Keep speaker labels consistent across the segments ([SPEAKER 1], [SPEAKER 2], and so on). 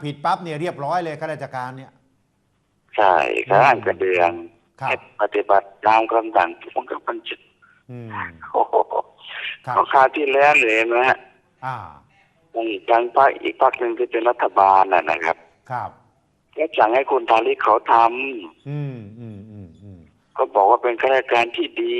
[SPEAKER 1] ผิดปั๊บเนี่ยเรียบร้อยเลยข้าราชการเนี่ย
[SPEAKER 2] ใช่ข้าราชการกระเดืองปฏิบัติตามคำสั่งผู้บังคับบัญชาโอ้โหเขาคราวที่แล้วเลยนะฮะทางพรรคอีกพรรคหนึ่งที่เป็นรัฐบาลนะครับก็สั่งให้คุณทาริกเขาทำก็บอกว่าเป็นข้าราชการที่ดี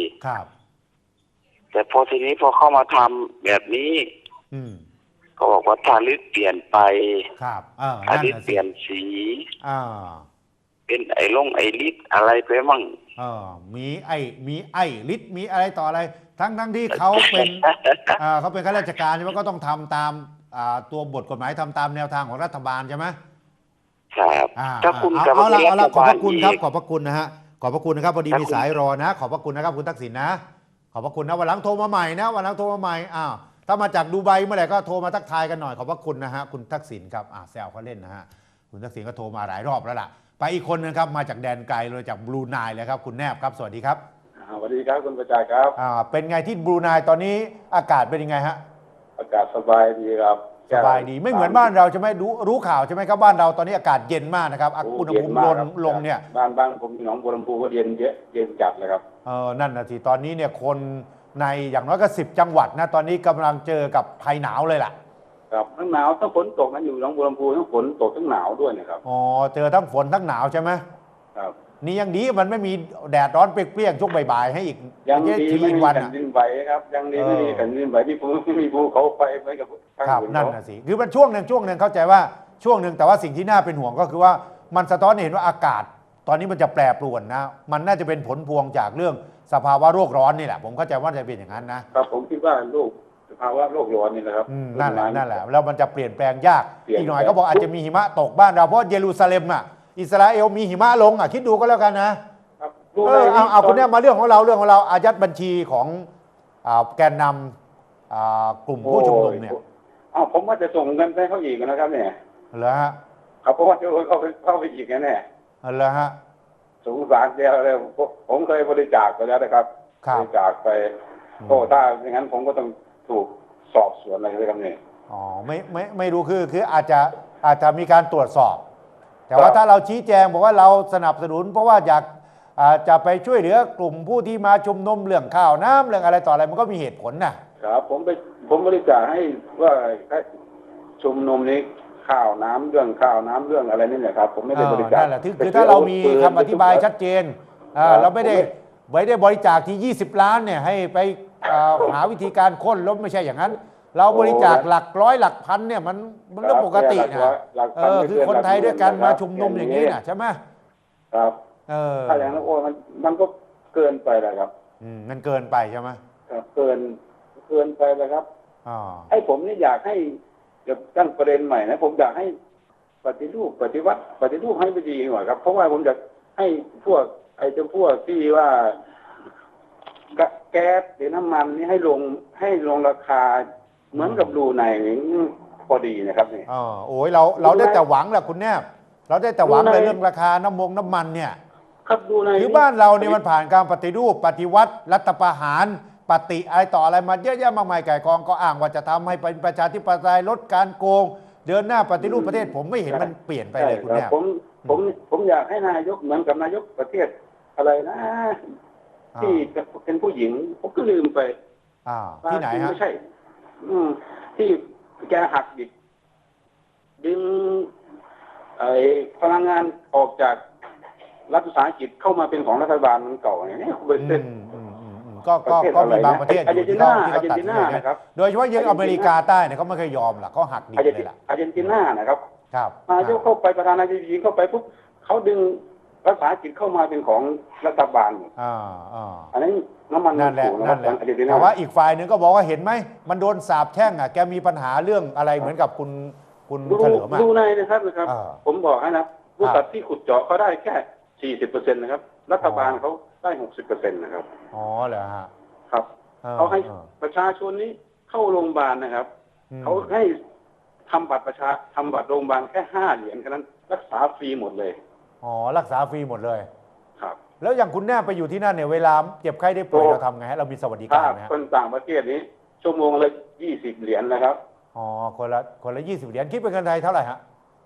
[SPEAKER 2] แต่พอทีนี้พอเข้ามาทำแบบนี้ก็บอกว่าทาริกเปลี่ยนไปทาริกเปลี่ยนสีเป็นไอ้ฤทธิ์อะไรไปมั่ง
[SPEAKER 1] มีฤทธิ์มีอะไรต่ออะไรทั้งที่เขาเป็นเขาเป็นข้าราชการใช่ไหมก็ต้องทำตามตัวบทกฎหมายทำตามแนวทางของรัฐบาลใช่ไหม
[SPEAKER 2] ครับถ้าคุณ
[SPEAKER 1] เอาละขอบพระคุณครับขอบพระคุณนะฮะขอบพระคุณนะครับพอดีมีสายรอนะขอบพระคุณนะครับคุณทักษิณนะขอบพระคุณนะวันหลังโทรมาใหม่นะวันหลังโทรมาใหม่ถ้ามาจากดูไบเมื่อไหร่ก็โทรมาทักทายกันหน่อยขอบพระคุณนะฮะคุณทักษิณครับแซวเขาเล่นนะฮะคุณทักษิณก็โทรมาหลายรอบแล้วล่ะไปอีกคนนึงครับมาจากแดนไกลเลยจากบรูไนเลยครับคุณแนบครับสวัสดีครับ
[SPEAKER 3] สวัสดีครับคุณประจักษ์ครับ
[SPEAKER 1] เป็นไงที่บรูไนตอนนี้อากาศเป็นยังไงฮะ
[SPEAKER 3] อากาศสบายดีครับ
[SPEAKER 1] สบายดีไม่เหมือนบ้านเราใช่ไหมรู้ข่าวใช่ไหมครับบ้านเราตอนนี้อากาศเย็นมากนะครับอุณหภูมิลงเนี่ย
[SPEAKER 3] บ้านผมหนองบัวลำพูก็เย็นเยอะเย็นจัดเลยครับ
[SPEAKER 1] นั่นนะสิตอนนี้เนี่ยคนในอย่างน้อยก็10 จังหวัดนะตอนนี้กำลังเจอกับภัยหนาวเลยล่ะ
[SPEAKER 3] ครับทั้งหนาวทั้งฝนตกนั้นอยู่หนองบัวลำพูทั้งฝนตกทั้งหนาวด้วยนะครับ
[SPEAKER 1] เจอทั้งฝนทั้งหนาวใช่ไหม
[SPEAKER 3] ครับ
[SPEAKER 1] นี่ยังดีมันไม่มีแดดร้อนเปรี้ยงๆช่วงบ่ายๆให้อีก
[SPEAKER 3] ยังดีไม่มีแผ่นดินไหวครับยังดีไม่มีแผ่นดินไหวที่มีภูเขาไฟเหมือนกับ
[SPEAKER 1] ครับนั่นนะสิคือมันช่วงหนึ่งเข้าใจว่าช่วงหนึ่งแต่ว่าสิ่งที่น่าเป็นห่วงก็คือว่ามันสะท้อนเห็นว่าอากาศตอนนี้มันจะแปรปรวนนะมันน่าจะเป็นผลพวงจากเรื่องสภาวะโลกร้อนนี่แหละผมเข้าใจว่าจะเป็นอย่างนั้น
[SPEAKER 3] นะครับผมคิดว่าสภาวะโลกร้อนนี่นะครับ
[SPEAKER 1] นั่นแหละแล้วมันจะเปลี่ยนแปลงยากอีกหน่อยก็บอกอาจจะมีหิมะตกบ้านเราเพราะเยรูซาเล็มอิสราเอลมีหิมะลงคิดดูก็แล้วกันนะเอาคุณเนี่ยมาเรื่องของเราอายัดบัญชีของแกนนำกลุ่มผู้ชุมนุมเนี่ย
[SPEAKER 3] ผมว่าจะส่งเงินไปเขาอีกนะครับเนี่ย
[SPEAKER 1] เหรอฮะ
[SPEAKER 3] ครับเพราะว่าจะเข้าไปอีกแน่
[SPEAKER 1] เหรอฮะ
[SPEAKER 3] สงสารเดียวเลยผมเคยบริจาคไปแล้วนะครับบริจาคไปถ้าอย่างนั้นผมก็ต้องถูกสอบสวนอะไรเลยครับเนี่ย
[SPEAKER 1] ไม่รู้คืออาจจะมีการตรวจสอบแต่ว่าถ้าเราชี้แจงบอกว่าเราสนับสนุนเพราะว่าอยากจะไปช่วยเหลือกลุ่มผู้ที่มาชุมนุมเรื่องข้าวน้ำเรื่องอะไรต่ออะไรมันก็มีเหตุผล
[SPEAKER 3] นะครับผมบริจาคให้ว่าชุมนุมนี้ข้าวน้ำเรื่องอะไรนี่แหละครับผมไม่ได้บริจาค
[SPEAKER 1] นั่นแหละคือถ้าเรามีคำอธิบายชัดเจนเราไม่ได้บริจาคที่20 ล้านเนี่ยให้ไปหาวิธีการค้นลบไม่ใช่อย่างนั้นเราบริจาคหลักร้อยหลักพันเนี่ยมันเรื่องปกตินะคือคนไทยด้วยกันมาชุมนุมอย่างนี้นะใช่ไหม
[SPEAKER 3] ครับถ้าอย่างนั้นมันก็เกินไปเลยครับ
[SPEAKER 1] มันเกินไปใช่ไหม
[SPEAKER 3] ครับเกินไปเลยครับให้ผมนี่อยากให้ตั้งประเด็นใหม่นะผมอยากให้ปฏิรูปให้ไปดีหน่อยครับเพราะว่าผมอยากให้พวกที่ว่าแก๊สหรือน้ำมันนี่ให้ลงราคาเหมือนกับดูในพอดีนะครับนี่
[SPEAKER 1] โอ้ยเราได้แต่หวังแหละคุณแนบเราได้แต่หวังในเรื่องราคาน้ำมันเนี่ย
[SPEAKER 3] ครับดูใน
[SPEAKER 1] คือบ้านเราเนี่ยมันผ่านการปฏิรูปปฏิวัติรัฐประหารปฏิอะไรต่ออะไรมาเยอะแยะมากมายไก่กองก็อ้างว่าจะทำให้เป็นประชาธิปไตยลดการโกงเดินหน้าปฏิรูปประเทศผมไม่เห็นมันเปลี่ยนไปเลยคุณแนบ
[SPEAKER 3] ผมอยากให้นายกเหมือนกับนายกประเทศอะไรนะที่เป็นผู้หญิงผมก็ลืมไป
[SPEAKER 1] ที่ไหนฮะ
[SPEAKER 3] ไม่ใช่ที่แกหักดึงพลังงานออกจากรัฐวิสาหกิจเข้ามาเป็นของรัฐบาลมันเก่าอย่างนี้
[SPEAKER 1] ก็มีบางประเทศ
[SPEAKER 3] อาร์เจนตินานะครับ
[SPEAKER 1] โดยเฉพาะยังอเมริกาใต้เนี่ยเขาไม่เคยยอมหรอกเขาหักดิบเลยล่ะ
[SPEAKER 3] อาร์เจนตินานะครับนายกเข้าไปประธานาธิบดีเข้าไปปุ๊บเขาดึงรัฐวิสาหกิจเข้ามาเป็นของรัฐบาลอันนั้นน้ำมัน
[SPEAKER 1] นั่นแหละแต่ว่าอีกฝ่ายหนึ่งก็บอกว่าเห็นไหมมันโดนสาบแช่งแกมีปัญหาเรื่องอะไรเหมือนกับคุณเฉลิม
[SPEAKER 3] ดูในนะครับผมบอกให้นะบริษัทที่ขุดเจาะเขาได้แค่ 40% นะครับรัฐบาลเขาได้ 60% นะครับ
[SPEAKER 1] เหรอฮะ
[SPEAKER 3] ครับเขาให้ประชาชนนี้เข้าโรงพยาบาลนะครับเขาให้ทำบัตรโรงพยาบาลแค่5 เหรียญแค่นั้นรักษาฟรีหมดเลย
[SPEAKER 1] รักษาฟรีหมดเลย
[SPEAKER 3] ครับ
[SPEAKER 1] แล้วอย่างคุณแน่ไปอยู่ที่นั่นเนี่ยเวลาเจ็บไข้ได้ป่วยเราทำไงฮะเรามีสวัสดิการไหม
[SPEAKER 3] คนต่างประเทศนี้ชั่วโมงละ20 เหรียญนะครับ
[SPEAKER 1] คนละ20 เหรียญคิดเป็นเงินไทยเท่าไหร่ฮะ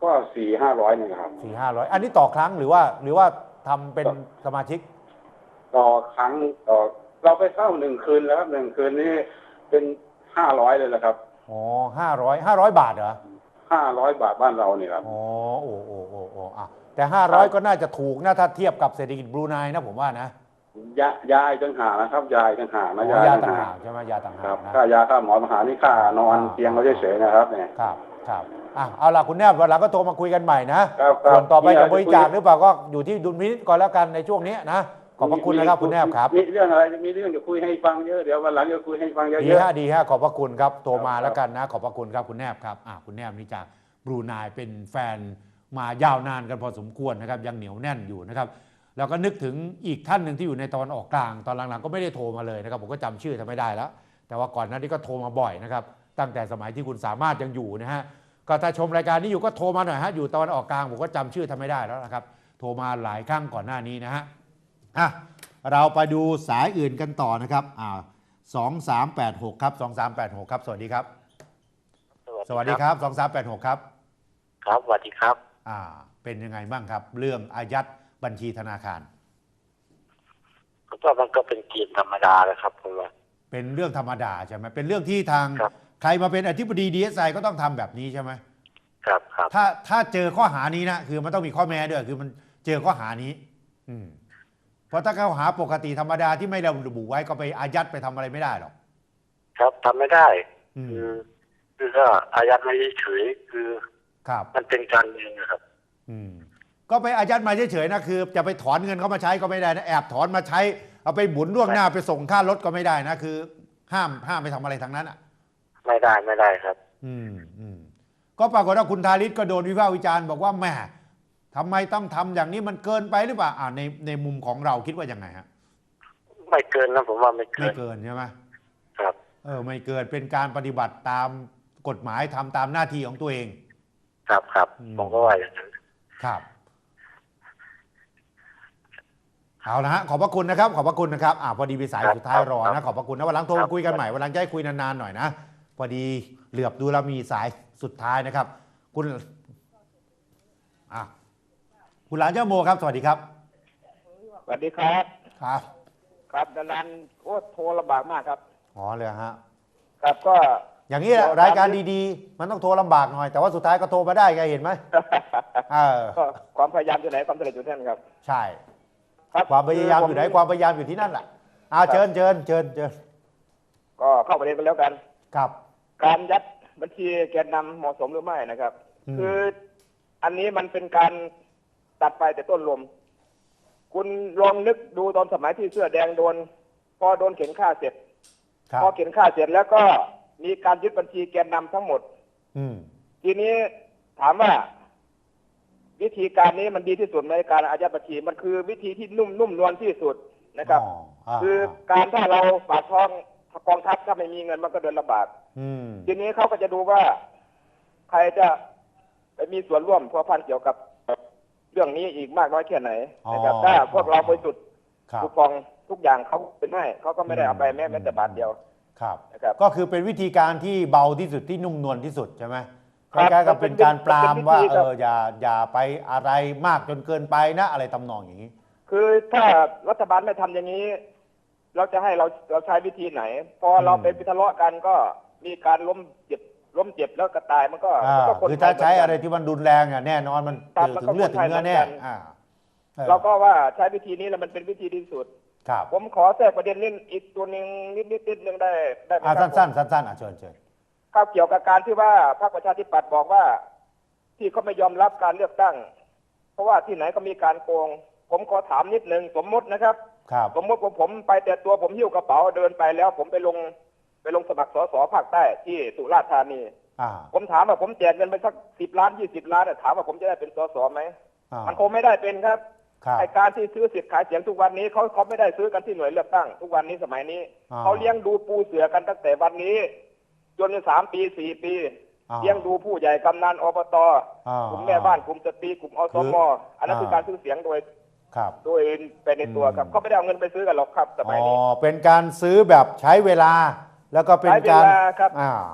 [SPEAKER 3] ก็400-500นี่ครับ
[SPEAKER 1] 400-500อันนี้ต่อครั้งหรือว่าทำเป็นสมาชิก
[SPEAKER 3] ต่อครั้งต่อเราไปเข้า1 คืนแล้วครับ1 คืนนี้เป็น500เลยแหละครับ
[SPEAKER 1] อ๋อ500 บาทเหรอ
[SPEAKER 3] 500 บาทบ้านเรานี่ครับ
[SPEAKER 1] อ๋อโอ้อ่ะแต่500ก็น่าจะถูกนะถ้าเทียบกับเศรษฐกิจบรูไนนะผมว่านะ
[SPEAKER 3] ยาต่างหากนะครับยาต่างหากนะ
[SPEAKER 1] ยาต่างหากใช่ไหมยาต่างหาก
[SPEAKER 3] นะค่ายาค่าหมอมหานี่ค่านอนเตียงเราเฉยๆนะครับเนี่ย
[SPEAKER 1] ครับเอาล่ะคุณแนบวันหลังก็โทรมาคุยกันใหม่นะส่วนต่อไปจะบริจาคหรือเปล่าก็อยู่ที่ดุลพินิจก่อนแล้วกันในช่วงนี้นะขอบพระคุณนะครับคุณแนบครับ
[SPEAKER 3] มีเรื่องอะไรมีเรื่องจะคุยให้ฟังเยอะเดี๋ยววันหลังจะคุยให้ฟังเยอะ
[SPEAKER 1] ดีฮะขอบพระคุณครับโทรมาแล้วกันนะขอบพระคุณครับคุณแนบครับคุณแนบนี่จากบรูไนเป็นแฟนมายาวนานกันพอสมควรนะครับยังเหนียวแน่นอยู่นะครับแล้วก็นึกถึงอีกท่านหนึ่งที่อยู่ในตอนออกกลางตอนหลังๆก็ไม่ได้โทรมาเลยนะครับผมก็จำชื่อท่านไม่ได้แล้วแต่ว่าก่อนหน้านี้ก็โทรมาบ่อยนะครับตั้งแต่สมัยที่คุณสามารถยังอยู่นะฮะก็ถ้าชมรายการนี้อยู่ก็โทรมาหน่อยฮะอยู่ตอนออกกลางผมก็จำชื่อท่านไม่ได้แล้วนะครับโทรมาหลายครั้งก่อนหน้านี้นะฮะเราไปดูสายอื่นกันต่อนะครับ2386ครับ2386ครับสวัสดีครับสวัสดีครับ2386ครับ
[SPEAKER 2] ครับสวัสดีครับ
[SPEAKER 1] เป็นยังไงบ้างครับเรื่องอายัดบัญชีธนาคาร
[SPEAKER 2] ก็มันก็เป็นเกณฑ์ธรรมดาเลยครับผมว่า
[SPEAKER 1] เป็นเรื่องธรรมดาใช่ไหมเป็นเรื่องที่ทางใครมาเป็นอธิบดี DSI ก็ต้องทำแบบนี้ใช่ไหม
[SPEAKER 2] ครับ
[SPEAKER 1] ถ้าเจอข้อหานี้นะคือมันต้องมีข้อแม้ด้วยคือมันเจอข้อหานี้เพราะถ้าข้อหาปกติธรรมดาที่ไม่ระบุไว้ก็ไปอายัดไปทำอะไรไม่ได้หรอก
[SPEAKER 2] ครับทำไม่ได้คือก็อายัดไม่เฉยคือมันเป็นการเงินนะครับ
[SPEAKER 1] ก็ไปอายัดมาเฉยๆนะคือจะไปถอนเงินเขามาใช้ก็ไม่ได้นะแอบถอนมาใช้เอาไปหมุนล่วงหน้าไปส่งค่ารถก็ไม่ได้นะคือห้ามไปทำอะไรทางนั้น
[SPEAKER 2] ไม่ได้ครับ
[SPEAKER 1] ก็ปรากฏว่าคุณธาริศก็โดนวิพากษ์วิจารณ์บอกว่าแหมทำไมต้องทำอย่างนี้มันเกินไปหรือเปล่าในมุมของเราคิดว่ายังไงฮะ
[SPEAKER 2] ไม่เกินนะผมว่าไม่เ
[SPEAKER 1] กินใช่ไหม
[SPEAKER 2] ครับ
[SPEAKER 1] ไม่เกินเป็นการปฏิบัติตามกฎหมายทำตามหน้าที่ของตัวเอง
[SPEAKER 2] ครับผมก็ว่าอย่างนั้น
[SPEAKER 1] ครับเอาละฮะขอบพระคุณนะครับขอบพระคุณนะครับพอดีมีสายสุดท้ายรอนะขอบพระคุณนะวันหลังโทรคุยกันใหม่วันหลังจะให้คุยนานๆหน่อยนะพอดีเหลือบดูแล้วมีสายสุดท้ายนะครับคุณหลานเจ้าโมครับสวัสดีครับ
[SPEAKER 4] สวัสดีครับ
[SPEAKER 1] ครับ
[SPEAKER 4] ดารันโทรลำบากมากครับ
[SPEAKER 1] เลยฮะ
[SPEAKER 4] ครับก็
[SPEAKER 1] อย่างนี้แหละรายการดีๆมันต้องโทรลำบากหน่อยแต่ว่าสุดท้ายก็โทรมาได้ไงเห็นไหม
[SPEAKER 4] ก็ความพยายามอยู่ไหนความสำเร็จอยู่ที่นั่นครับ
[SPEAKER 1] ใช่ความพยายามอยู่ไหนความพยายามอยู่ที่นั่นแหละเชิญ
[SPEAKER 4] ก็เข้าประเด็นไปแล้วกัน
[SPEAKER 1] ครับ
[SPEAKER 4] การยัดบัญชีแกนนำเหมาะสมหรือไม่นะครับคืออันนี้มันเป็นการตัดไปแต่ต้นลมคุณลองนึกดูตอนสมัยที่เสื้อแดงพอโดนเข็นฆ่าเสร็จพอเข็นฆ่าเสร็จแล้วก็มีการยึดบัญชีแกนนำทั้งหมดทีนี้ถามว่าวิธีการนี้มันดีที่สุดในการอายัดบัญชีมันคือวิธีที่นุ่มนวลที่สุดนะครับคือการถ้าเราปากท้องกองทัพถ้าไม่มีเงินมันก็เดินลำบากทีนี้เขาก็จะดูว่าใครจะไปมีส่วนร่วมพัวพันเกี่ยวกับเรื่องนี้อีกมากน้อยแค่ไหนนะครับถ้าพวกเราไปจุดคูปองทุกอย่างเขาเป็นให้เขาก็ไม่ได้เอาไปแม้แต่บาทเดียว
[SPEAKER 1] นะครับก็คือเป็นวิธีการที่เบาที่สุดที่นุ่มนวลที่สุดใช่ไหมคล้ายๆกับเป็นการปรามว่าอย่าไปอะไรมากจนเกินไปนะอะไรตำนองอย่างนี้
[SPEAKER 4] คือถ้ารัฐบาลไม่ทำอย่างนี้เราจะให้เราใช้วิธีไหนพอเราไปทะเลาะกันก็มีการล้มเจ็บแล้วก็ตายมันก็
[SPEAKER 1] คือถ้าใช้อะไรที่มันรุนแรงแน่นอนมันถึงเลือดถึงเนื้อแน่
[SPEAKER 4] เราก็ว่าใช้วิธีนี้แล้วมันเป็นวิธีที่สุด
[SPEAKER 1] ครับ
[SPEAKER 4] ผมขอแทรกประเด็นนี้อีกตัวนึงนิดนึงได้ไหม
[SPEAKER 1] ครับสั้นเชิญ
[SPEAKER 4] ข้าวเกี่ยวกับการที่ว่าพรรคประชาธิปัตย์บอกว่าที่เขาไม่ยอมรับการเลือกตั้งเพราะว่าที่ไหนก็มีการโกงผมขอถามนิดนึงสมมตินะครับสมมติว่าผมไปแต่ตัวผมหิ้วกระเป๋าเดินไปแล้วผมไปลงสมัครสสภาคใต้ที่สุราษฎร์ธานีผมถามว่าผมแจกเงินไปสัก10 ล้าน20 ล้านถามว่าผมจะได้เป็นสสไหมมันคงไม่ได้เป็นครับไอการที่ซื้อสิทธิ์ขายเสียงทุกวันนี้เขาไม่ได้ซื้อกันที่หน่วยเลือกตั้งทุกวันนี้สมัยนี้เขาเลี้ยงดูปูเสือกันตั้งแต่วันนี้จน3 ปี 4 ปีเลี้ยงดูผู้ใหญ่กำนันอบตกลุ่มแม่บ้านกลุ่มสตรีกลุ่มอสมอันนั้นคือการซื้อเสียงโดยเป็นในตัวครับเขาไม่ได้เอาเงินไปซื้อกันหรอกครับสมัยนี้
[SPEAKER 1] เป็นการซื้อแบบใช้เวลาแล้วก็เป็นการ
[SPEAKER 4] ครับสมมติ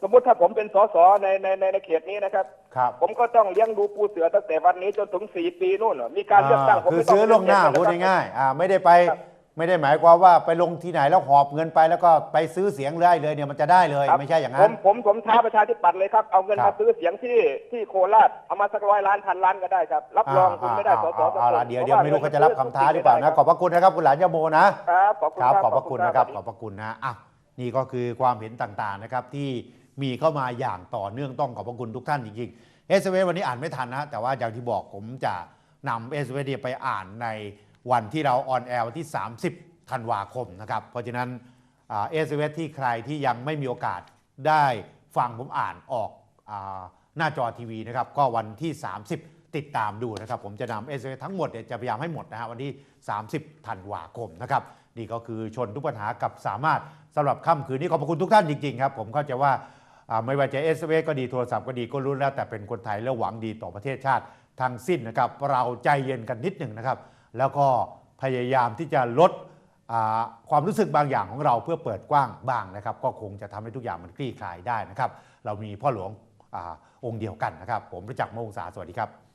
[SPEAKER 4] สมมติถ้าผมเป็นสสในเขตนี้นะครับ ผมก็ต้องเลี้ยงดูปูเสือตั้งแต่วันนี้จนถึง4 ปีนู่นมีการเลือกตั้งผม
[SPEAKER 1] คือซื้อล่วงหน้าพูดง่ายๆไม่ได้ไปไม่ได้หมายความว่าไปลงที่ไหนแล้วหอบเงินไปแล้วก็ไปซื้อเสียงได้เลยเนี่ยมันจะได้เลยไม่ใช่อย่างนั้น
[SPEAKER 4] ผมท้าประชาธิปัตย์เลยครับเอาเงินมาซื้อเสียงที่โคราชเอามาสัก100 ล้านพันล้านก็ได้ครับรับรองคุณไม่ได้สส
[SPEAKER 1] เดี๋ยวไม่รู้เขาจะรับคำท้าหรือเปล่านะขอบพระคุณนะครับคุณหลานยาโมนะครับขอบพระคุณนะครับขอบพระคุณนะนี่ก็คือความเห็นต่างๆนะครับที่มีเข้ามาอย่างต่อเนื่องต้องขอบพระคุณทุกท่านจริงๆSMS วันนี้อ่านไม่ทันนะแต่ว่าอย่างที่บอกผมจะนำ SMS ไปอ่านในวันที่เราออนแอร์วันที่30 ธันวาคมนะครับเพราะฉะนั้นSMS ที่ใครที่ยังไม่มีโอกาสได้ฟังผมอ่านออกหน้าจอทีวีนะครับก็วันที่30ติดตามดูนะครับผมจะนำ SMS ทั้งหมดจะพยายามให้หมดนะฮะวันที่30 ธันวาคมนะครับนี่ก็คือชนทุกปัญหากับสามารถสำหรับค่ำคืนนี้ขอบพระคุณทุกท่านจริงๆครับผมเข้าใจว่าไม่ว่าจะ SMS ก็ดีโทรศัพท์ก็ดีก็รู้แล้วแต่เป็นคนไทยและหวังดีต่อประเทศชาติทั้งสิ้นนะครับเราใจเย็นกันนิดหนึ่งนะครับแล้วก็พยายามที่จะลดความรู้สึกบางอย่างของเราเพื่อเปิดกว้างบ้างนะครับก็คงจะทำให้ทุกอย่างมันคลี่คลายได้นะครับเรามีพ่อหลวงองค์เดียวกันนะครับผมประจักษ์ มวงศาสวัสดีครับ